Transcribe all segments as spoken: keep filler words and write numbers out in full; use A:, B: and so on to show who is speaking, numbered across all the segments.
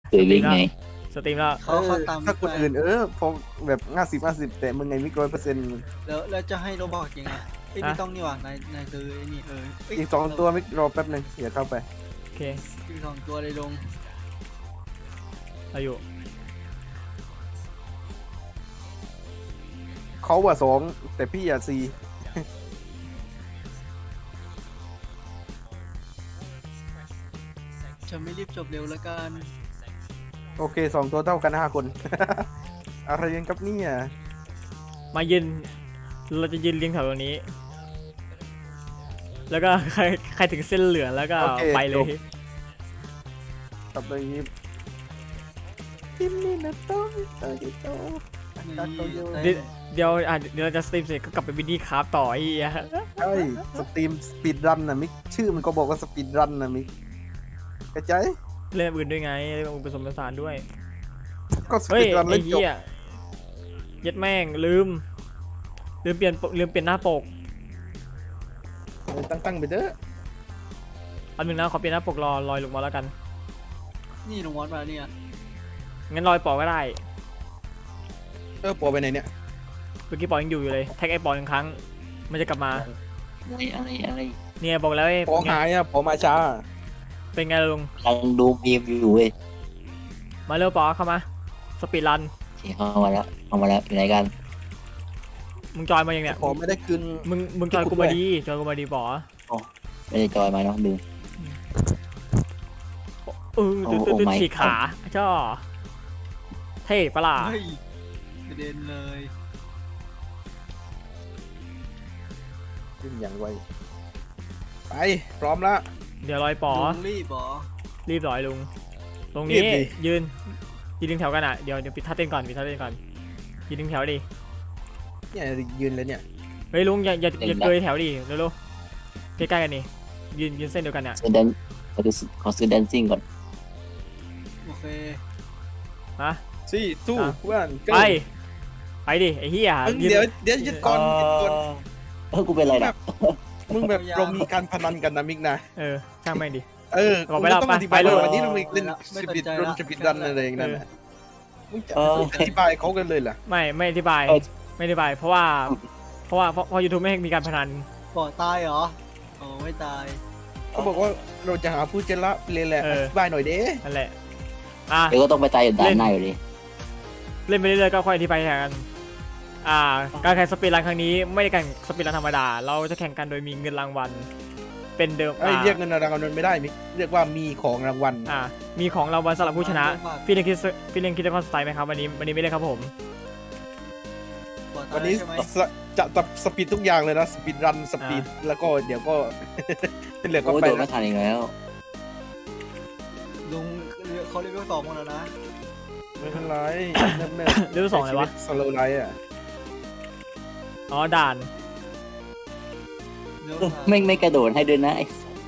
A: เคยวิ่งไง
B: สตรีมแล้ว
C: เขาเขาตาม
D: ถ้าคนอื่นเออพอแบบห้าสิบห้าสิบแต่มึงไงมิกร้อยเปอร์เซ็นต์
C: แล้วแล้วจะให้โรบอกยังไงเอ้ยไม่ต้องนี่หว่านายนายซื้อไอ้นี่เออเย
D: อีกสองตัวมิกรอแป๊บหนึงอย่าเข้าไป
B: โอเค
C: อีกสองตัวเลยลง
B: อายุ
D: เขาว่าสองแต่พี่อ่ะสี่
C: จะไม่รีบจบเร็วแล้วกัน
D: โอเคสองตัวเท่ากันห้าคน อะไรกันครับเนี่ย
B: มายืนเราจะยืนเรียงแถวตรงนี้ แล้วก็ใครใครถึงเส้นเหลืองแล้วก็ไปเลย
D: กลับไปยิบทิมนี่นะโต้โต้โต้ตัดโตโย
B: เดี๋ยวเดี๋ยวอ่ะเดี๋ยวเราจะสตรีมเสร็จก็กลับไปวินนี่คราฟต่อไอ้เหี้ย
D: ใช่สตรีมสปีดรันนะมิกชื่อมันก็บอกว่าสปีดรันนะมิกกระจาย
B: เล่นอื่นด้วยไงเล่นอื่นผสมผสานด้วย
D: ก็ส
B: เฮ้
D: ปี
B: ย
D: ดรัน
B: ไอ้
D: เล่นจบ
B: เหี้ยยัดแม่งลืมลืมเปลี่ยนปกลืมเปลี่ยนหน้าปก
D: ตั้งตั้งๆไปเด้อ
B: อันหนึ่งนะขอเปลี่ยนหน้าปกรอลอยลงมาแล้วกัน
C: นี่ลงวัดมาเนี่ย
B: งั้นลอยปอก็ได้
D: เออปอไปไหนเนี่ย
B: เมื่อกี้ปอยังอยู่อยู่เลยแท็กไอ้ปอหนึ่งครั้งมันจะกลับมา
A: อะไรอะไรอะไร
B: เนี่ยบอกแล้วไอ้
D: ปอหายอ่ะปอมาช้า
B: เป็นไงลุง
A: กำลังดูมีมอยู่เว้ย
B: มาเร็วปอเข้ามาสปีดรัน
A: โอเคเข้ามาแล้วเข้ามาแล้วอยู่ไหนกัน
B: มึงจอยมาอย่างเนี้ย
D: ปอไม่ได้คืน
B: มึงมึงจอยกูมาดีจอยกูมาดีปอ
A: ไม่ได้จอยมาเนาะลืม
B: เออตื่นตื่น
A: โอ้
B: ตื่น
A: my
B: ฉีกขาจ้าเท่ปะล่ะ
C: เฮ้ยกระเด็นเลย
D: ขึ้นอย่างไวไปพร้อมละ
B: เดี๋ยวลอยปอ
C: ลุงรีบเหรอ
B: รีบลอยลุงตรง
D: รี
B: นี้
D: บดิ
B: ยืนยืนดึงแถวกันอ่ะเดี๋ยวเดี๋ยวปิดท่าเต้นก่อนปิดท่าเต้นก่อนยืนดึงแถวดิ
D: เนี่ยยืนเลยเนี่ย
B: เฮ้ยลุงอย่าอย่าอย่าเกยแถวดิเร็วๆใกล้ๆกันนี่ยืนยืนเส้นเดียวกันเนี่ย
A: ซื้อแดนขอดูขอซื้อแดนซิ่งก่อน
C: โอเค
B: มา
D: สี่ตู้
B: อ่ะ
D: เพื่อน
B: ไปไปดิไอ้เหี้ย
D: มึง
B: ยืน
D: เดี๋ยวเดี๋ยวยึดก่อนยึดก่อน
A: เออกูเป็นไรนะ
D: มึงแบบเรามีการพนันกันนะมิกนะ
B: เออช่างแม่งดิ
D: เออ
B: บอก
D: กู
B: ไปแล้ว
D: ต้องอธิบาย
B: ไปเลย
D: ว่าวันนี้เรามีเล่นสปิดรันสปิดรันอะไรอย่างนั้นน่ะมึงจะอธิบายเขากันเลยเหรอ
B: ไม่ไม่อธิบายไม่อธิบายเพราะว่าเพราะว่าเพราะเพราะยูทูบไม่ให้มีการพนัน
C: ปอดตายเหรอโอ้ไม่ตาย
D: เขาบอกว่าเราจะหาผู้เจละเลยแหละ
B: เอ
D: อ
B: อ
D: ธิบายหน่อยเด้
B: นั่นแหละอ่ะ
A: เดี๋ยวก็ต้องไปตายอยู่ด้านในอยู่ดี
B: เล่นไปเรื่อยๆก็ค่อยอธิบายกันอ่าการแข่งสปีดรันครั้งนี้ไม่ได้แข่งสปีดรันธรรมดา เราจะแข่งกันโดยมีเงินรางวัลเป็นเดิม
D: ไอ้ย
B: อ่า
D: เรียกเงินรางวัลไม่ได้มิกเรียกว่ามีของรางวัล
B: อ่ามีของรางวัลสำหรับผู้ชนะพี่เล่นคิดพี่เล่นคิดจะคอนสไตล์ไหมครับวันนี้วันนี้ไม่ได้ครับผม
C: ปอดตา
D: วัน
C: ย
D: นี้
C: ใช่ไหม
D: สจะจะสปีดทุกอย่างเลยนะสปีดรันสปีดแล้วก็เดี๋ยวก็ เหลือก็
A: โอ้ย
D: ไป
A: โดนไม่ทันอีกแล้ว
C: ลุงเขาเรียกว่าสองหมดแล้วนะ
D: ไม่เป็นไรเนิ่ม
B: เรื่องสองอะไรวะ
D: สโลไลท์อ่ะ
B: อ๋อด่าน
C: เร็ว
A: เออไม่ไม่กระโดดให้ด้วยนะไอ้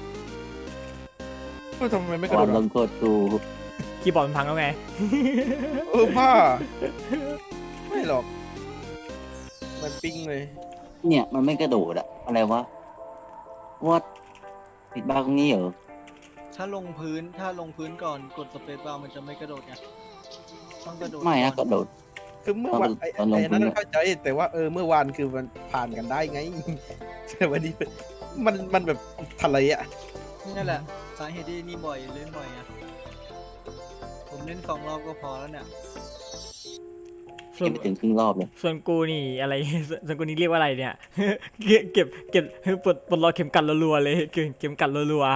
D: เออทำไมไม่กระโด
A: วั
D: ด
A: นล
D: อ่ะ
A: งโทษกู
B: คีย์บอร์ดมันพังแล้วไง
D: เออบ้าไม่หรอก มันปิ้งเลย
A: เนี่ยมันไม่กระโดดอะอะไรวะวัดปิดบ้าตรงนี้เหรอ
C: ถ้าลงพื้นถ้าลงพื้นก่อนกดสเปซบาร์มันจะไม่กระโดดไงต้องกระโดด
A: ไม่นะก
C: ก่อ
A: ระโดด
D: คือเมื่อวานไอ้
A: ตอนลง
D: ไอ้นั้น
A: พื้น
D: เข้าใจแต่ว่าเออเมื่อวานคือมันผ่านกันได้ไง แต่วันนี้มันมันแบบทะเลอ่ะ
C: นี่แหละสาเหตุที่นี่บ่อยเล่นบ่อยอ่ะผมเล่นสองรอบก็พอแล้วเนี่ย
B: ส่วน
A: ยังไม่ถึงครึ่งรอบเลย
B: ส่วนกูนี่อะไร ส่วนกูนี่เรียกว่าอะไรเนี่ย เก็บเก็บเก็บปลดปลดล็อกเข็มกัดรัวๆเลยเก็บเข็มกัดรัว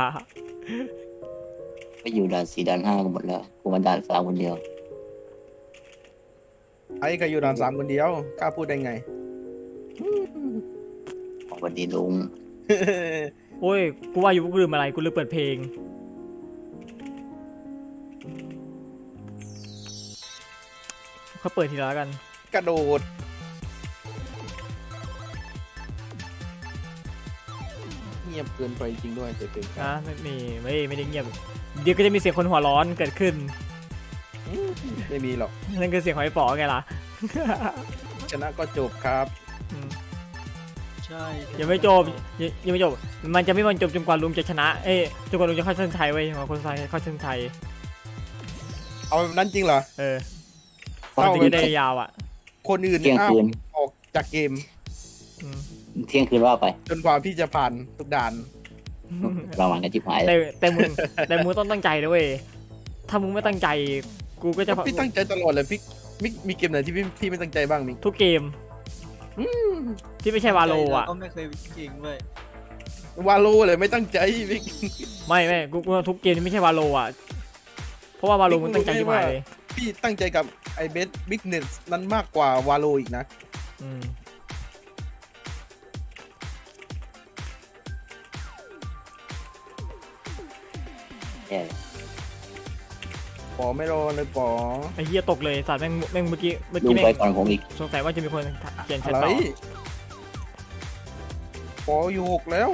A: ไปอยู่ด่านสี่ด่านห้ากันหมดแล้วกูมาด่านสามคนเดียว
D: ไอ้ก็อยู่ด่านสามคนเดียวกล้าพูดได้ไง
A: ขอวันดีลุง
B: ๆโอ้ยกูว่าอยู่กูลืมอะไรกูลืมเปิดเพลงเขาเปิดทีละแล้วกัน
D: กระโดดเงียบเกินไปจริงด้วยเต็ม
B: นะไม่มีไม่ไม่ได้เงียบเดี๋ยวก็จะมีเสียงคนหัวร้อนเกิดขึ้น
D: ๆไม่มีหรอก
B: นั่นคือเสียงหอยป๋อไงล่ะ
D: ชนะก็จบครับ
B: อืม
C: ใช่
B: ยังไม่จบยังยังไม่จบมันจะไม่มันจบจนกว่าลุงจะชนะเอ้ยจนกว่าลุงจะเข้าเส้นชัยไว้ยจนกว่าคนไทยเข้าเส้นชัย
D: เอเอาแบบนั้นจริงเหรอ
B: เออ
A: เศร้า
B: ถึงจะได้ยาวอ่ะ
D: คนอื่น
A: เที่ยง
D: อ้าว
A: คืน
D: ออกจากเกม
B: อืม
A: เที่ยงคืนว่าไป
D: จนกว่าพี่จะผ่านทุกด่าน
A: ประมาณกันจิบหายเล
B: แต่
A: ย
B: แต่มึงแต่มึงต้องตั้งใจด้วย ถ้ามึงไม่ตั้งใจ กูก็จะ
D: พี่ตั้งใจตลอดเลยพี่มิกมีเกมไหนที่พี่พี่ไม่ตั้งใจบ้างมิก
B: ทุกเกม ที่ไม่ใช่วาโลอ่ะ
C: ก็ไม่เคยเก่งเว้ยว
D: าโลเลยไม่ตั้งใจมิก
B: ไม่ไม่กูกูทุกเกมที่ไม่ใช่วาโลอ่ะ เพราะว่าวาโลมึงตั้งใจที่หายเลย
D: พี่ตั้งใจกับไอเบสบิ๊กเนสนั้นมากกว่าวาโลอีกนะ
B: อืม
A: แย่เลย
D: ปอไม่รอเลยปอ
B: ไอ้เหี้ยตกเลยสัตว์แม่งแม่งเมื่อกี้เมื่อ
A: ลุ
B: กี้
A: ง
B: แม่ง
A: ไปก่อนผมอีก
B: สงสัยว่าจะมีคนเขียนแช
D: อะ
B: ท
D: ไร
B: ต่อ
D: ปออยู่หกแล้ว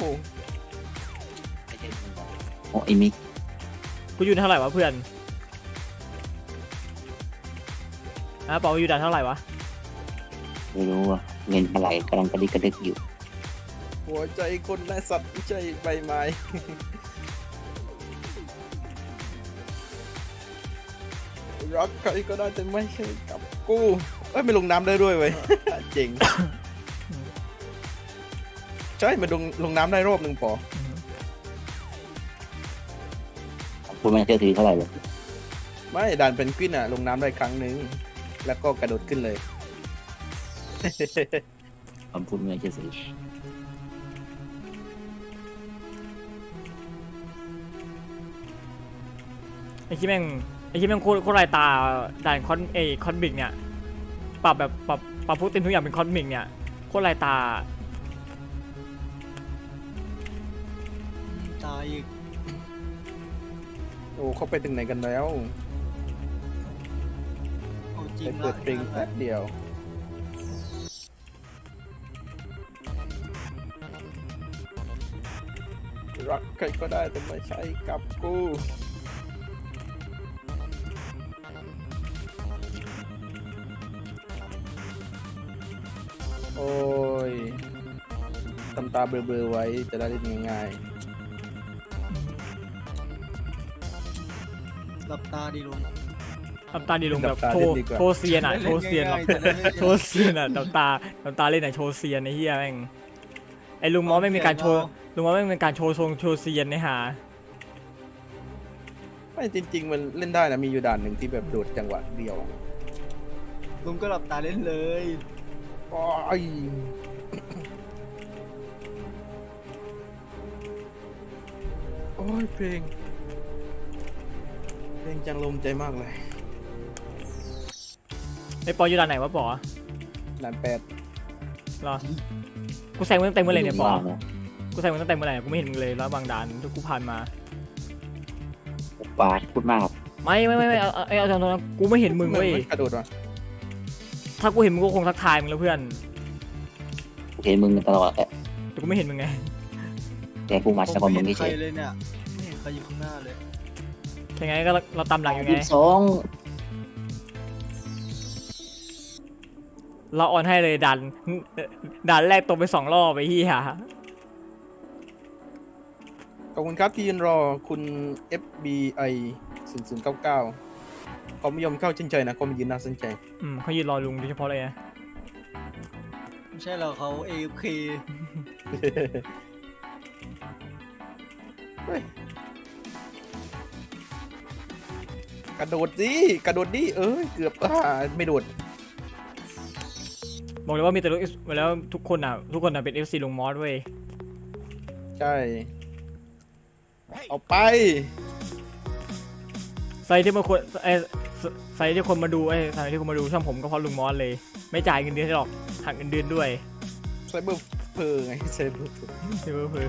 A: โอ้ไอ้มิก
B: กูอยู่เท่าไหร่วะเพื่อนอ่ะบอกว่าอยู่ด่านเท่าไหร่วะ
A: ไม่รู้ว่าเงินเท่าไหร่กำลังกระดิกกระดึกอยู่
D: หัวใจคนและสัตว์ไม่ใช่ใบไม้ รักใครก็ได้แต่ไม่ใช่กับกูเอ้ยไม่ลงน้ำได้ด้วยเว้ย เจ๋ง ใช่มันลงลงน้ำได้รอบหนึ่งปอ
A: คุณไม่เชื่อถือเท่าไหร่เลย
D: ไม่ด่านเป็นกวินอะลงน้ำได้ครั้งหนึ่งแล้วก็กระโดดขึ้นเลย
A: ผมพูดไม่เชื่อถือ
B: ไอ้ที่แม่งไอ้ที่แม่งโคตรโคตรลายตาด่านคอนเอคอนบิกเนี่ยปรับแบบปรับปรับพวกเต็มทุกอย่างเป็นคอนบิกเนี่ยโคตรลายตา
C: ตายอีก
D: โอ้เขาไปถึงไหนกันแล้ว
C: เอาจริ
D: ไป
C: ง
D: เปิดเพลงแป๊บเดียว รักใครก็ได้แต่ไม่ใช่กับกู โอ้ยทำตาเบลอๆไว้จะได้เล่นง่าย
C: หลับตาดีลง
B: ทำตาดีลงแบบโชว์โชว์เซียนอ่ะโชว์เซียนแบบโชว์เซียนอ่ะทำตาทำตาเล่นอ่ะโชว์เซียนไอ้เหี้ยแม่งไอ้ลุงมอสไม่มีการโชว์ลุงมอสไม่มีการโชว์ทรงโชว์เซียนเนี่ยฮะ
D: ๆไม่จริง ๆ มันเล่นได้นะ มีอยู่ด่านหนึ่งที่แบบโดดจังหวะเดียว
C: ลุงก็หลับตาเล่นเลย
D: โอ้ยโอ้ยเพลง เพลงจังลมใจมากเลย
B: ไอ้ปออยู่ด่านไหนวะปอ
D: ด่านแปด
B: รอกูแซงมึงตั้งแต่เมื่อไหร่เนี่ยปอ
A: ว่านะ
B: กูแซงมึงตั้งแต่เมื่อไหร่กูไม่เห็นมึงเลยแล้วบางด่านที่กูผ่านมา
A: ปาดพูดมากครับ
B: ไม่ไม่ไม่ไม่เอาเอาเอาตรงๆกูไม่เห็นมึงเว้ย
D: กระโดดวะ
B: ถ้ากูเห็นมึงก็คงทักทายมึงแล้วเพื่อน
A: เห็นมึงตลอดแหละ
B: แต่กูไม่เห็นมึงไง
A: แต่กูมา
C: ผม
A: สักวัน
C: ไม่
A: มึ
C: เห็
A: ง
C: น
A: เฉ
C: ใคร
A: ย
C: เลยเนี่ยไม่เห็นใครอยู่ข้างหน้าเลย
B: ยังไงก็เราเราตามหลังอยู่ไง
A: ยี่สิบสอง
B: เราออนให้เลยดันด่านแรกตกไปสองรอบไปที่ฮะ
D: ขอบคุณครับที่ยืนรอคุณ เอฟ บี ไอ ศูนย์ ศูนย์ เก้า เก้าเขาไม่ยอมเข้าเช่นใจนะเขามายืนน่าสนใจ
B: อืมเขายืนรอลุงโดยเฉพาะเลยนะ
C: ไม่ใช่เราเขา เอ เค
D: เฮ้ยกระโดดสิกระโดดดิเอ้ยเกือบอ่าไม่โดด
B: บอกเลยว่ามีแต่ลูกแล้วทุกคนอ่ะทุกคนอ่ะเป็น เอฟ ซี ลุงมอสเว้ย
D: ใช่ เอาไป
B: ไซต์ที่มาคนไอ้ไซต์ที่คนมาดูไอ้ไซต์ที่คนมาดูช่องผมก็เพราะลุงมอสเลย ไม่จ่ายเงินเดือนให้หรอกหักเงินเดือนด้วย
D: ไซเบอร์เพอร์ไงไซเบอร์เพอร์
B: เพื่อเพื่อ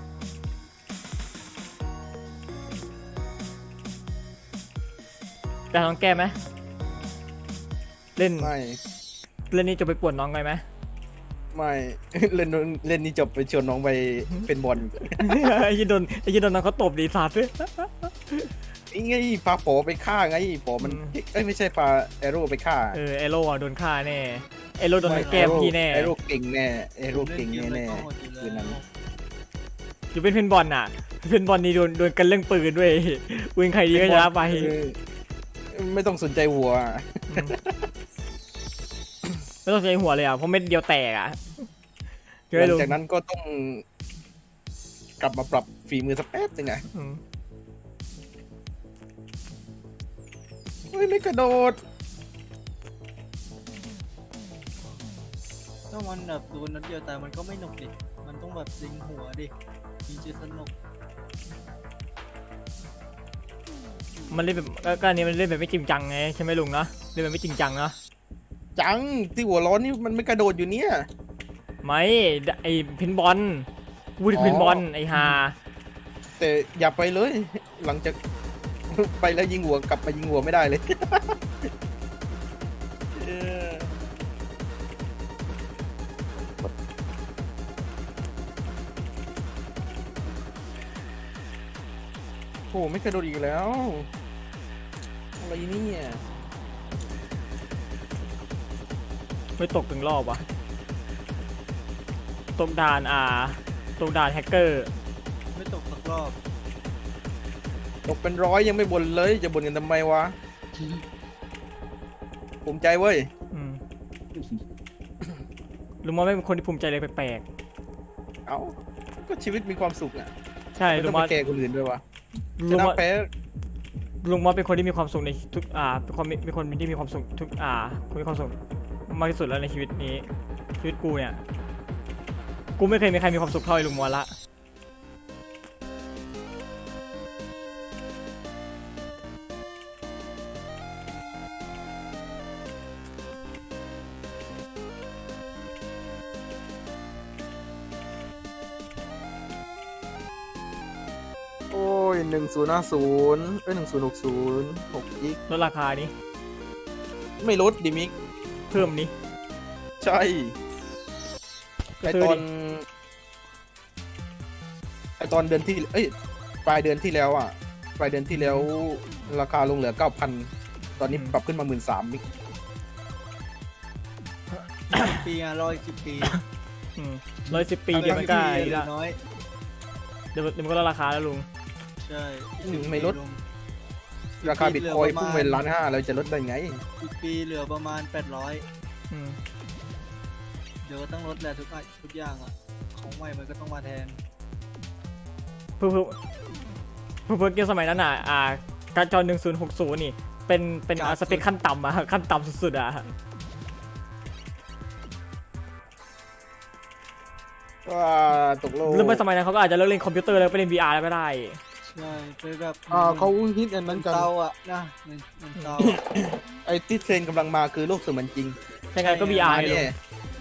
B: แต่น้องแก้ไหมเล่น
D: ไม่
B: เล่นนี้จะไปป่วนน้องไงไหม
D: ไม่ เล่นเล่นนี่จบไปชวนน้องไปเป็นบอล
B: ไอ้ยี่โดนไอ้ยี่โดนน้องเขาตบดีสัตว์
D: นี่ไงพาโปไปฆ่าไงโปมัน
B: อืม
D: เอ้ยไม่ใช่พาแอโร่ไปฆ่า
B: เออเอโร่อะโดนฆ่าแน่เอโร่โดนแก้มพี่แน่
D: แอโร่เก่งแน่แอโร่เก่งแน่แน่คืนนั้น
B: อยู่เป็นเพนบอลน่ะเพนบอลนี่โดนโดนกันเรื่องปืนด้วยปืนใครดีก็ชนะไป
D: เออไม่ต้องสนใจหัว
B: อืมไม่ต้องใช้หัวเลยอ่ะเพราะเม็ดเดียวแตกอ่ะเจ
D: หลั
B: อง ลุง
D: จากนั้นก็ต้อง กลับมาปรับฝีมือสักแป๊บหนึงไง
B: อืม
D: เฮ้ยไม่กระโดด
C: ถ้ามันแบบโดนนัดเดียวตายมันก็ไม่หนุกดิมันต้องแบบยิงหัวดิยิงจะสนุก
B: มันเล่นแบบก็ก็อันนี้มันเล่นแบบไม่จริงจังไงใช่ไหมลุงเนาะเล่นแบบไม่จริงจังเนาะ
D: จังที่หัวร้อนนี่มันไม่กระโดดอยู่เนี่ย
B: ไม่ไอเพนบอลวูดเพนบอลไอฮา
D: แต่อย่าไปเลย หลังจาก ไปแล้วยิงหัวกลับมายิงหัวไม่ได้เลย เออโอ้ไม่กระโดดอีกแล้ว อะไรเนี่ย
B: ไม่ตกถึงรอบวะตกด่านอ่าตกด่านแฮกเกอร์
C: ไม่ตกสักรอบ
D: ตกเป็นร้อยยังไม่บ่นเลย จะบ่นกันทำไมวะ ภูมิใจเว้ย
B: อืมลุงมอสไม่เป็นคนที่ภูมิใจเลยแปลก
D: เอ้า ก็ชีวิตมีความสุขอ่ะ
B: ๆใช่
D: ไม่
B: ลุ
D: ต้อง ง
B: ม
D: ไป
B: อส
D: แคร์คนอื่นด้วยวะช
B: ลุง
D: นะ
B: มอส
D: แพ้
B: ลุงมอสเป็นคนที่มีความสุขในทุกอ่าเป็นคนมีเป็นคนที่มีความสุขทุกอ่าคนมีความสุขมากที่สุดแล้วในชีวิตนี้ชีวิตกูเนี่ยกูไม่เคยมีใครมีความสุขเท่าไอ้ลุงมอสละ
D: โอ้ยหนึ่งศูนย์ห้าศูนย์เอ้ยหนึ่งศูนย์หกศูนย์หกกิก
B: ลดราคานี้
D: ไม่ลดดิมิก
B: เพิ่มนี้
D: ใช่
B: ก็
D: ไอ
B: ซื้อ
D: ตอ
B: ดิ
D: นไอตอนเดือนที่ เอ้ย ปลายเดือนที่แล้วอ่ะ ปลายเดือนที่แล้ว ราคาลงเหลือเก้าพัน ตอนนี้ปรับขึ้นมาหมื่นสามมิก
C: ปีอ่ะรออีกสิบปี
B: อืมร้อยสิบปีเดียวมันก็
C: เห
B: ไอ้
C: ลื
B: ละ
C: อน้อย
B: เดี๋ยวเดี๋ยวมันก็ลดราคาแล้วลุง
C: ใช่
D: อืมไม่ลด ราคาบิตคอยน์พุ่งไปล้านห้าแล้วจะลดได้ไง
C: อีกปีเหลือประมาณแปดร้อย
B: อืม
C: เดี๋ยวก็ต้องลดแหละทุกอย่างทุกอย่างอ่ะของใหม่มันก็ต้องมาแทน
B: เพื่อเพื่อเพื่อเพื่อเกมสมัยนั้นอ่ะอ่าการจอหนึ่งศูนย์หกศูนย์นี่เป็นเป็นอ่าสเปคขั้นต่ำอ่ะขั้นต่ำสุดๆอ่ะ
D: ว่าตกลง
B: หรือไม่สมัยนั้นเขาก็อาจจะเลิกเล่นคอมพิวเตอร์แล้วไปเล่น วี อาร์ แล้วก็ได้
C: ใช่ไปแบบ
D: อ่าเขาฮิตอันนั้นกัน
C: เตาอ่ะนะมันมันเตา
D: ไอที่เทรนด์กำลังมาคือโลกเสมือนจริง
B: ยังไงก็ วี อาร์
D: เนี่
B: เลย
D: ย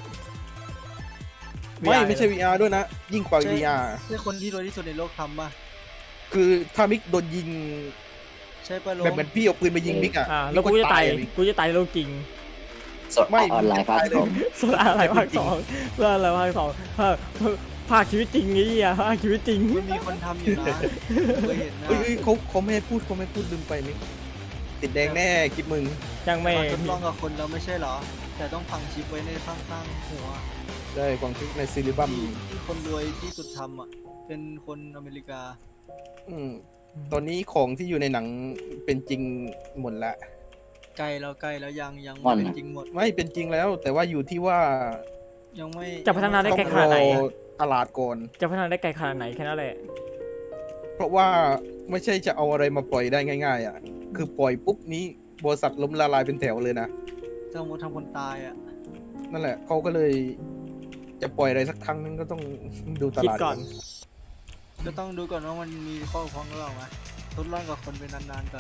D: ไม่ไม่ใช่ วี อาร์ ด้วยนะ ยิ่งกว่า วี อาร์
C: ใช่คนที่รวยที่สุดในโลกทำป่ะ
D: คือถ้ามิกโดนยิง
C: ใช่ป่ะล
D: แบบเหมือนพี่เอาปืนไปยิงมิกอ่ะ
B: อ่าแล้วกูจะตาย
D: มิ
B: กูจะตายในโลกจริง
A: สดออนไลน์ภาคสอง
B: ส่วนอะไรภาคสองส่วนอะไรภาคสองภาคภาคชีวิตจริงนี่อ่ะภาคชีวิตจริง
C: มันมีคนทำอยู่นะเคยเห็นนะ
D: เฮ้ยเฮ้ยเขาเขาไม่ให้พูดเขาไม่ให้พูดลืมไปมิกติดแดงแน่คลิปมึง
B: ยังไม่
C: มาทดลองกับคนเราไม่ใช่เหรอ แต่ต้องฝังชิปไว้ในข้างๆหัว
D: ได้ความคิดในซีรีบัม
C: ที่ที่คนรวยที่สุดทำอ่ะ เป็นคนอเมริกา
D: อืมตอนนี้ของที่อยู่ในหนังเป็นจริงหมดละ
C: ไกลแล้วไกลแล้วยังยังไม่เป็นจริงหมด
D: ไม่เป็นจริงแล้ว แต่ว่าอยู่ที่ว่า
C: ยังไม่
B: จะพัฒนาได้
D: ต้อ
B: ไกล
D: ง
B: ข
D: ร
B: นาด
D: อ
B: ไหนอะ
D: ตลาดก่อน
B: จะพัฒนาได้ไกลขนาดไหนแค่นั้นแหละ
D: เพราะว่าไม่ใช่จะเอาอะไรมาปล่อยได้ง่าย ๆ อ่ะ คือปล่อยปุ๊บนี้บริษัทล้มละลายเป็นแถวเลยนะ
C: ถ้าสมมติทำคนตายอ่ะ
D: นั่นแหละเขาก็เลย จะปล่อยอะไรสักครั้งนึงก็ต้องดูต
B: คิด
D: ลาด
B: ก่อน
C: ก็ต้องดูก่อนว่ามันมีข้อพ้องหรือเปล่าไหมทดลองกับคนเป็นนานๆก่อน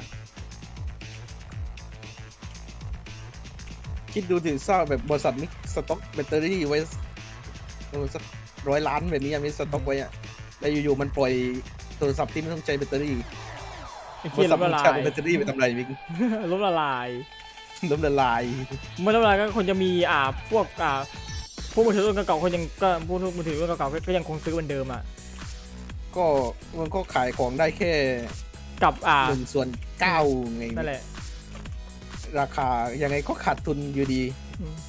D: คิดดูถึงสร้างแบบบริษัทมิกสต็อกแบตเตอรี่ไว้เออสักร้อยล้านแบบนี้ยังมีสต็อกไว้อะแล้วอยู่ๆมันปล่อยโทรศัพท์ที่ไม่ต้องใช้แบตเตอรี่
B: ไอ้
D: บ
B: เคีย
D: ริษั
B: ล้
D: ท
B: ม
D: มั
B: ละ
D: น
B: ลา
D: ใช้
B: ย
D: แบตเตอรี่ไปทำอะไรมิก
B: ล้มละลาย
D: ล้มละลาย
B: เมื่อล้มละลายก็คนจะมีอ่าพวกอ่าพวกมือถือรุ่นเก่าๆคนยังก็พวกมือถือรุ่นเก่าๆก็ยังคงซื้อเหมือนเดิมอ่ะ
D: ก็มันก็ขายของได้แค่
B: กับอ่า
D: หนึ่งส่วนเก้าไง
B: นั่นแหละ
D: ราคายังไงก็ขาดทุนอยู่ดี
B: อืม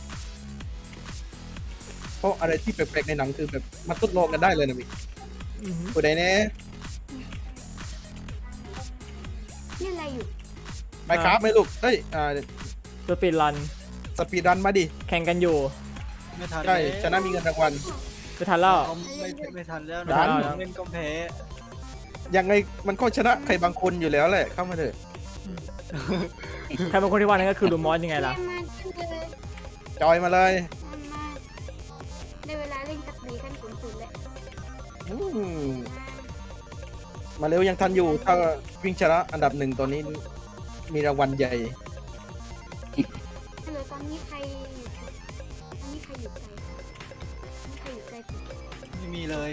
D: เพราะอะไรที่แปลกๆในหนังคือแบบมาทดลองกันได้เลยนะมิก
B: อือหือ
D: ผู้ใดแน่
E: นี่อะไรอยู่
D: ไปครับไหมลูกเฮ้ยอ่า
B: สปีดรัน
D: สปีดรันมาดิ
B: แข่งกันอยู่
C: ไม่ทัน
D: ใช่
C: แล้ว
D: ชนะมีเงินรางวัล
B: ไปทันแล้ว
C: เอาไม่ไม่ทันแล้ว
B: ไม่ทันแล้ว
C: นะเล่นก็แพ้
D: ยังไงมันก็ชนะใครบางคนอยู่แล้วแหละเข้ามาเถอะ
B: ใครเป็นคนที่ว่านั่นก็คือลูมอสยังไงล่ะ
E: เล่นมาขึ้นเลย
D: จอยมาเลย
E: มาในเวลาเล่นสักดีขั้นสูงสุดเลย
D: อืมมาเร็วยังทันอยู่ถ้าวิ่งชนะอันดับหนึ่งตอนนี้มีรางวัลใหญ่
E: ฮัลโหลตอนนี้ใครอยู่ตอนนี้ใครอยู่ไกลตอนนี้ใครอยู่ไกลสุด
C: ไม่มีเลย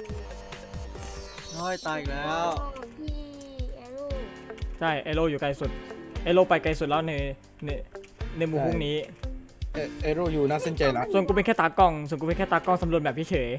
C: น้อยตายอีกแล้ว
E: พี่แอโร่
B: ใช่เอโรอยู่ไกลสุดเอโรไปไกลสุดแล้วในในในหมู่พวกนี้
D: เอเอโรอยู่น่าสนใจละ
B: ส่วนกูเป็นแค่ตากล้องส่วนกูเป็นแค่ตากล้องสำรวจแบบเฉย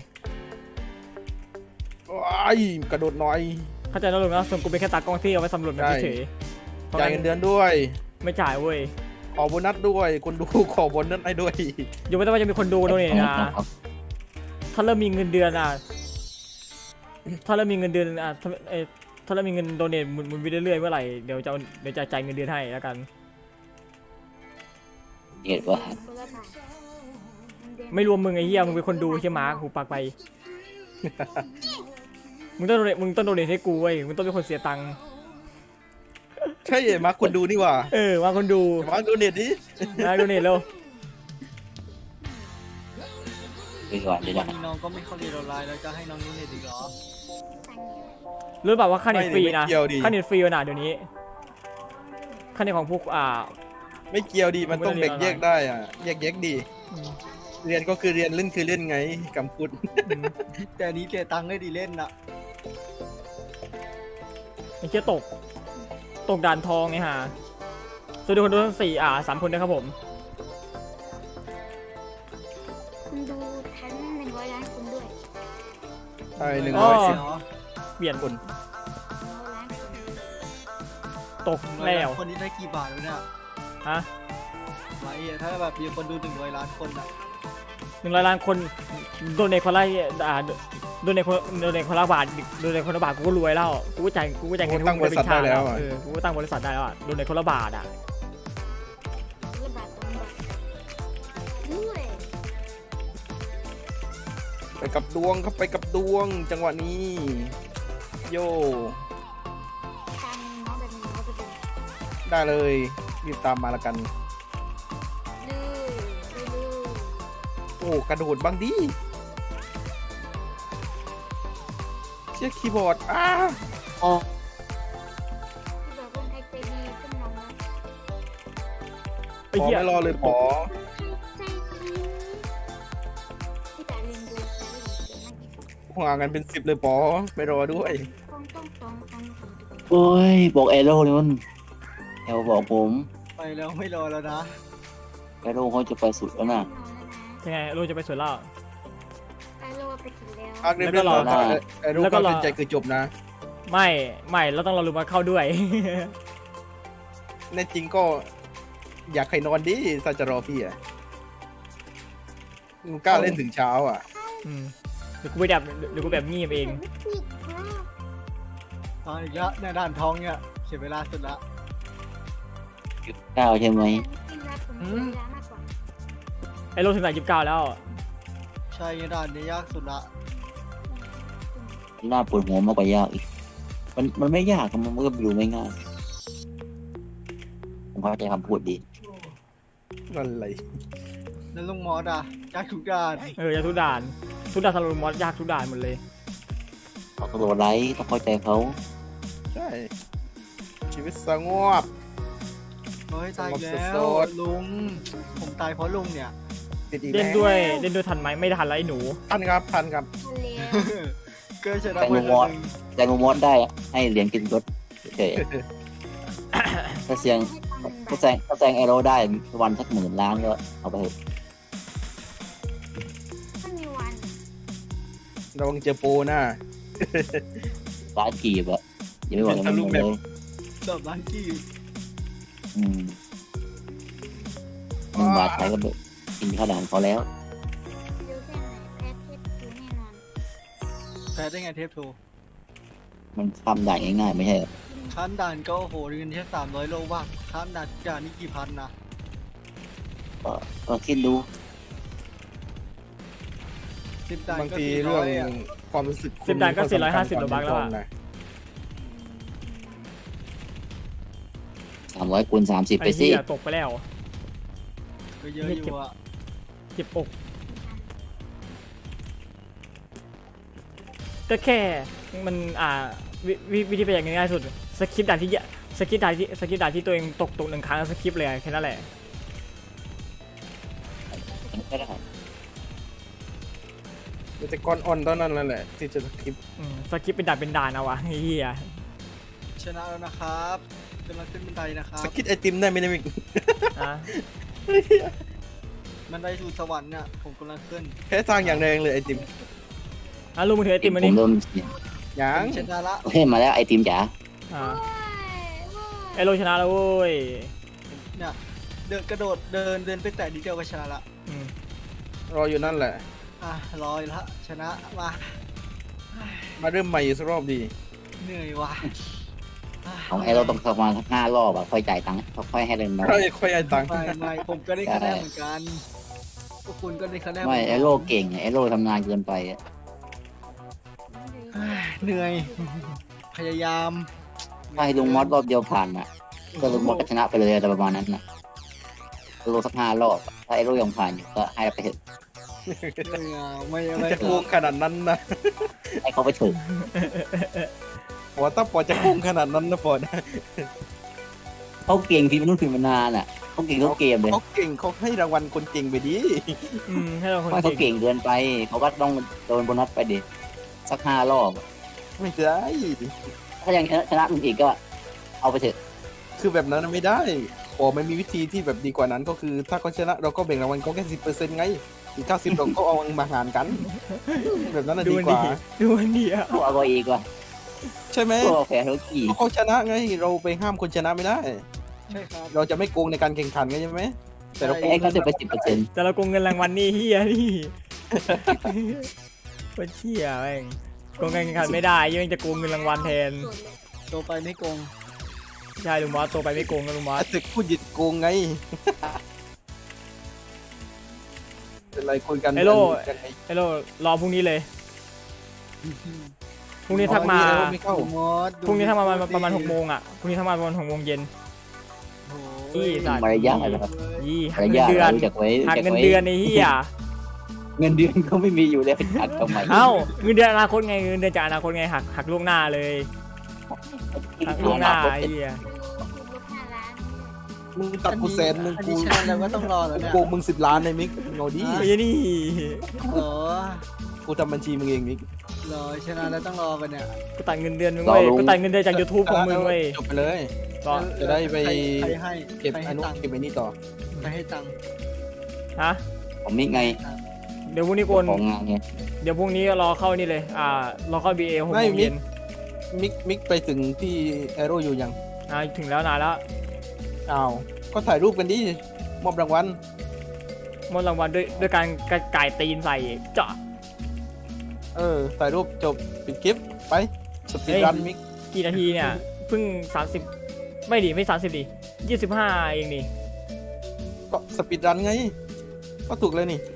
D: ว้ายกระโดดหน่อย
B: ๆเข้าใจแล้วลุงนะส่วนกูเป็นแค่ตากล้องที่เอาไว้สำรวจแบบเฉยๆเพราะ
D: จ่าย
B: งั้
D: เงิน
B: น
D: เดือนด้วย
B: ไม่จ่ายเว้ย
D: ขอโบนัสด้วยคนดูขอโบนัสให้ด้วย
B: อยู่ไม่ต้องว่าจะมีคนดูโดเนทนะถ้าเริ่มมีเงินเดือนอ่ะถ้าเริ่มมีเงินเดือนอ่ะถ้าเอ่อถ้าเริ่มมีเงินโดเนทหมุนหมุนไปเรื่อยๆเมื่อไหร่เดี๋ยวจะเอาเดี๋ยวจะจ่ายเงินเดือนให้แล้วกัน
A: เหตุว่า
E: คนละบาทเดือน
B: ไม่รวมมึงไอ้เหี้ยมึงเป็นคนดูใช่ไหมะหูปากไป มึงต้องโดเนทมึงต้องโดเนทให้กูเว้ยมึงต้องเป็นคนเสียตังค์
D: ใช่มาคนดูนี่หว่า
B: เออว่าคนดู
D: มาดูเน็ตดิ
B: นะโดเนทเร็ว
A: ไปก่อนเดี๋ยว
C: วั
A: จะ
C: นนี้น้องก็ไม่เข้าเรียนออนไลน์แล้วจะให้น้องนุ่นเรียนอีกเหรอ
B: รู้เปล่าว่าค่าเน็ตฟรีนะ
D: ไม่เกี่ยวดิ
B: ค่าเน็ตฟรีนะเดี๋ยวนี้ค่าเน็ตของพวกอ่า
D: ไม่เกี่ยวดีมันต้องแบ่งแยกได้อ่ะแยกแยกดี
B: อืม
D: เรียนก็คือเรียนเล่นคือเล่นไงกำพูด
B: อืม
C: แต่อันนี้เสียตังค์ได้ดีเล่นน่ะ
B: ไอ้เชี่ยตก ตกด่านทองไงฮะสวัสดีคนดูทั้งสี่อ่าสามคนนะครับผม
E: คุณดูทั้งหนึ่งร้อยล้านคนด้วย
D: ใช่หนึ่ง
B: อ๋
D: ร้
B: อ
D: อยสิบ
C: เหรอ
B: เปลี่ยน
D: คน
E: หนึ่งร้อยล้านคน
B: ตกแล้ว
C: คนนี้ได้กี่บาทวะเนี่ย
B: ฮะ
C: ไอ้เหี้ยถ้าแบบมีคนดูหนึ่งร้อยล้านคนอ่ะ
B: หนึ่งร้อยล้านคนโดนในคนละอ่าโดนในคนโดนในคนละบาทโดนในคนละบาทกูก็รวยแล้วกูก็จ่ายกูก็จ่ายเงินให้
D: ตั้งบริษัทได้แล้วอะ
B: เออกูก็ตั้งบริษัทได้แล้วอ่ะโดนในคนละบาทอ่ะ
E: คนละบาทสองบาทด้วย
D: ไปกับดวงครับไปกับดวงจังหวะนี้ โย
E: ตามน้องแบบนี้น้องไปดู
D: ได้เลยรีบตามมาละกัน
E: ดื้อดื้อดื้อ
D: โอ้กระโดดบ้างดิเชี่ยคีย์บอร์ดอ้า
A: อ๋อ
E: ที่บอกคนไทยใจดีขึ้นน้องนะ
B: ไอ้
D: ขอ
B: เหี้ย
D: ไม่รอเลยปอ
E: ใจดีที่แต่เรียนดูแต่เรียนเก่งมากที่สุด
D: ห่างกันเป็นสิบเลยปอไม่รอด้วย
E: ต้องต้องต้องต้องต้อง
A: โอ้ยบอกเอโร่นี่มันแอลบอกผม
C: ไปแล้วไม่รอแล้วนะ
A: เอโร่เขาจะไปสุดแล้วนะ
B: ยังไงรู้จะไปสวนแล้ว
E: ไอโลไปถึงแล้ว
D: ภาคเรียบ
B: แล้วก็
D: ร้อย
B: รอ
D: ไอ้รูป
B: แล้วก็
D: ก็
B: รอ
D: เป็นใจคือจบนะ
B: ไม่ไม่เราต้องรอลุงมาเข้าด้วย
D: ในจริงก็อยากให้นอนดิซาจะรอพี่อ่ะมึงกล้าเล่นถึงเช้าอ่ะ
B: อืมเดี๋ยวกูไปแบบเดี๋ยวกูแบบงีบเอง
E: ผิดค่ะ
C: ตอนอีกแล้วเนี่ยด่านทองเนี่ยเสียเวลาสุดละ
A: เก้าใช่ไหม
E: จริงๆแล้วผมมีเวลามากกว่า
B: ไอ้โลถึงไหนยี่สิบเก้าแล้ว
C: ใช่ด่านนี้ยากสุดละ
A: น่าปวดหัวมากกว่ายากอีก มันมันไม่ยากครับมันก็ดูไม่ง่ายผมเข้าใจคำพูดดี
D: อะไร
C: แล้วลุงมอสอ่ะยากทุกด่าน
B: เออยากทุกด่านทุกด่านสำหรับลุงมอสยากทุกด่านหมดเลย
A: เขาตัวไลท์ต้องเข้าใจเขา
D: ใช่ ชีวิตสงบ
C: เฮ้ยตายอีกแล้
D: ส
C: ว
D: ด
C: ลุงผมตายเพราะลุงเนี่ย
D: ติดอีก
B: เล่น
D: แล้
B: ด้วยเล่นด้วยทันไหมไม่ทันแล้วไอ้หนู
D: ทันครับทันครับ
E: ทะเล
C: เกิดชนะไปแล้วหนึ่ง
A: แต่โมมอสได้ให้เหรียญกินรถเฉยๆถ้าเสียงถ้าแซงถ้าแซงเอโร่ได้วันสักหมื่นล้านก็เอาไปเถอะ
E: ถ้ามีวัน
D: ระวังเจอโปรนะ
A: ล้านกีบอะอย่าไปบอกอย่างนั้นเลย
C: ดอกล้านกีบ
A: อืมหนึ่งบาทไทยก็แบบกินข้าวด่านเขาแล้ว
E: เร็วแค่ไหนแพ้เทปคือแน่นอน
C: แพ้ได้ไงเทปโท
A: มันทำด่านง่ายๆไม่ใช่เหรอ
C: ขั้นด่านก็โอ้โหเงินแค่สามร้อยโลว่าคครับด่านด่านนี่กี่พันนะ
A: ก็ก็คิดดู
C: สิบด่าน
D: บาง
C: ก็
D: ที
C: สี่
D: เรื่
C: ร้
D: อ
C: อง ยอะ
D: ความรู้สึก
B: สิบด่านก็
D: คุณ
B: สี่ร้อยห้าสิบโลบัคแล้วอะ
D: นะ
A: สามร้อยคูณสามสิบไป
B: ไอ้
A: สิ
B: เหี้ยตกไปแล้ว
C: ก็เยอะอยู่อะ
B: เจ็บอกก็แค่มันอ่าวิวิวิธีไปอย่างง่ายๆสุดสคริปต์ด่านที่สคริปต์ด่านที่สคริปต์ด่านที่ตัวเองตกตกหนึ่งครั้งสคริปต์เลยแค่นั้นแหละ
A: ก็ได้
D: แต่ก้อนอ่อนตอนนั้นแหละที่จะคลิป
B: อืมสคริปต์เป็นด่านเป็นด่านเอาวะไอ้เหี้ย
C: ชนะแล้วนะครับกำลังขึ้นบันไดนะครับ
D: สกิดไอติมได้ไหมเนี่ยมิก
B: นะ
C: บันไดสู่สวรรค์เนี่ยผมกำลังขึ้น
D: แค่ทางอย่างแรงเลยไอติม
B: อ่ะลุงมือถือไอติมมา
A: ผ
B: นี่
A: มเริ่มเสียง
D: ยัง
C: ชนะละ
A: โอเคมาแล้วไอติมจ๋า
B: อ่า
E: โอ้ยโอ้ย
B: ไอโรชนะแล้วเว้ย
C: เนี่ยเดินกระโดดเดินเดินไปแตะนิดเดียวก็ชนะละ
B: อืม
D: รออยู่นั่นแหละ
C: อ่ะรออยู่ละชนะมา
D: มาเริ่มใหม่อีกสักรอบดี
C: เหนื่อยว่ะ
A: ของไอเราต้องเข้ามาสักห้ารอบอะค่อยจ่ายตังค์ค่อยให้เล่นน้อย
D: ค่อยค่อยไอตังค์
C: ไม่ไม่ผมก็ได้คะแนนเหมือนกันพวกคุณก็ได้คะแนน
A: ไม่ไอโลเก่งไอโลทำงานเกินไปอะ
C: เอ้ยเหนื่อย พยายาม
A: ถ้าให้ลุงมอสรอบเดียวผ่านอะก็ลุงมอสก็ชนะไปเลยอะไรประมาณนั้นนะโลสักห้ารอบอะถ้าไอโลยังผ่านอยู่ก็ให้ไปเถอะ
C: ไม่เอาไม่ไม่
D: จะโกงขนาดนั้นนะ
A: ให้เขาไปเถอะ
D: ปอถ้าปอจะโกงขนาดนั้นนะปอนะ
A: เขาเก่งพิมพ์นู่นพิมพ์มานานอะเขาเก่งทุกเกมเลย
D: เขาเก่งเขาให้รางวัลคนเก่งไปดิ
B: อืมให้เราคน
A: ไม่เขา
B: เก่ง
A: เก่งเกินไปเขาก็ต้องโดนโบนัสไปดิสักห้ารอบ
D: ไม่ได้
A: ถ้ายังชนะลุงอีกก็เอาไปเถอะ
D: คือแบบนั้นไม่ได้ปอมันมีวิธีที่แบบดีกว่านั้นก็คือ ถ้าเขาชนะเราก็แบ่งรางวัลเขาแค่สิบเปอร์เซ็นต์ไงอีกเก้าสิบเราก็เอามาหารกัน แบบนั้นน่ะ
B: ดู
D: ดี
B: มัน
D: ก
B: ดี
D: ว่า
B: ดูมันดีอ่ะ
A: พวกเอาไปอีกว่ะ
D: ใช่ไหม
A: พวกแพ้ทุกกี่
D: เพราะเขาชนะไงเราไปห้ามคนชนะไม่ได้
C: ใช่ครับ
D: เราจะไม่โกงในการแข่งขันไงใช่ไหมแต่เราโกง
A: ไอ้เขาจะไปสิบเปอร์เซ็นต์
B: แต่เราโกงเงินรางวัลนี่เฮียนี่เป็นเชี่ยแม่งโกงเงินแข่งขันไม่ได้ยังจะโกงเงินรางวัลแทน
C: โตไปไม่โกง
B: ใช่ลุงมอสโตไปไม่โกงนะลุงมอส
D: ตึกพูดหยิดโกงไง เป็นไรคุยกัน
B: ไอโล
D: กันไง
B: ไอโลรอพรุ่งนี้เลยพรุ่งนี้ทักมา
D: อ๋อนี่ไม่เข้า
C: ดูมอสดู
B: พรุ่งนี้ทักมาประมาณ
C: ดิ
B: ประมาณหกโมงอ่ะพรุ่งนี้ทักมาประมาณหกโมงเย็น
C: โอ้โห
B: นี่สัตว์
A: มารยาทอะไรครับ
B: ยี่หั
A: มาก ร
B: เงิน
A: ยาท
B: เดือน
A: รู้จักไว้
B: หัก
A: รู้จัก
B: เงิน
A: ไว้
B: เดือนไอ้เหี้ย
A: เงินเดือนเขาไม่มีอยู่แล้วหักทำไม
B: เอ้าเงินเดือนอนาคตไงเงินเดือนจากอนาคตไงหักหักล่วงหน้าเลยหักล่วงหน้าไอ้เหี้ย
E: ก็คือลบห้าล้าน
D: มึงตัดกูแสนมึง
C: อัน
D: กู
C: นี้ชนะแล้วก็ต้องรอแล้วเนี่ย
D: โกงมึงสิบล้านในมิกเงาดี
B: ไอ้นี่
C: เหรอ
D: กูทำบัญชีมึงเองมิก
C: เหรอชนะแล้วต้องรอไปเนี่ย
B: กูตัดเงินเดือนมึงเว้ยกูตัดเงินเดือนจาก YouTube ของมึงเว้ย
D: จบไปเลย
B: ก็
D: จะได้ไป
C: ใครให้
D: เก็บ
C: ใคร
D: อ
C: ให้
D: นุ
C: ตังค์
D: เก็บไอ้นี่ต่อ
C: ใครให้ตังค์
B: ฮะ
A: ผมนี่ไง
B: เดี๋ยวพรุ่งนี้โกน
A: ของงานไง
B: เดี๋ยวพรุ่งนี้รอเข้านี่เลยอ่ารอเข้า บี เอ หก
D: ไม่
B: โมง
D: มิ
B: เย็
D: ก
B: น
D: มิกมิกไปถึงที่แอโร่อยู่ยัง
B: อ่าถึงแล้วนานแล้ว
D: อ้าวก็ถ่ายรูปกันดิมอบรางวัล
B: มอบรางวัลด้วยด้วยการกระก่ายตีนใส่เจาะ
D: เออถ่ายรูปจบปิดคลิปไปสปีด
B: เฮ้ย
D: รันมิก
B: กี่นาทีเนี่ยเพิ่งสามสิบไม่ดิไม่สามสิบดิยี่สิบห้าเองนี่
D: ก็สปีดรันไง ก็ถูกเลยนี่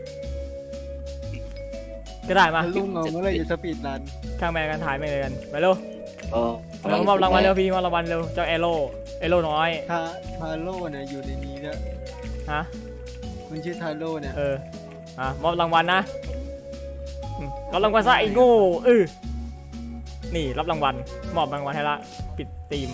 B: ก็ได้มา
C: ลุงเอาเมื่อไหรจะสปีดรัน
B: ข้างแม่กันถ่ายไม่เลยกันไปเร็ว
A: เออ
B: เรามอบรางวัลเร็วพี่มอบรางวัลเร็วเจ้าเอโร่เอโร่น้อย
C: ทาทาโร่เนี่ยอยู่ในนี้ด้วย
B: ฮะ
C: มันชื่อทาโร่เนี่ย
B: เอออ่ะมอบรางวัลนะอืมรับรางวัลซะไอ้โง่เออนี่รับรางวัลมอบรางวัลให้ละปิดตีม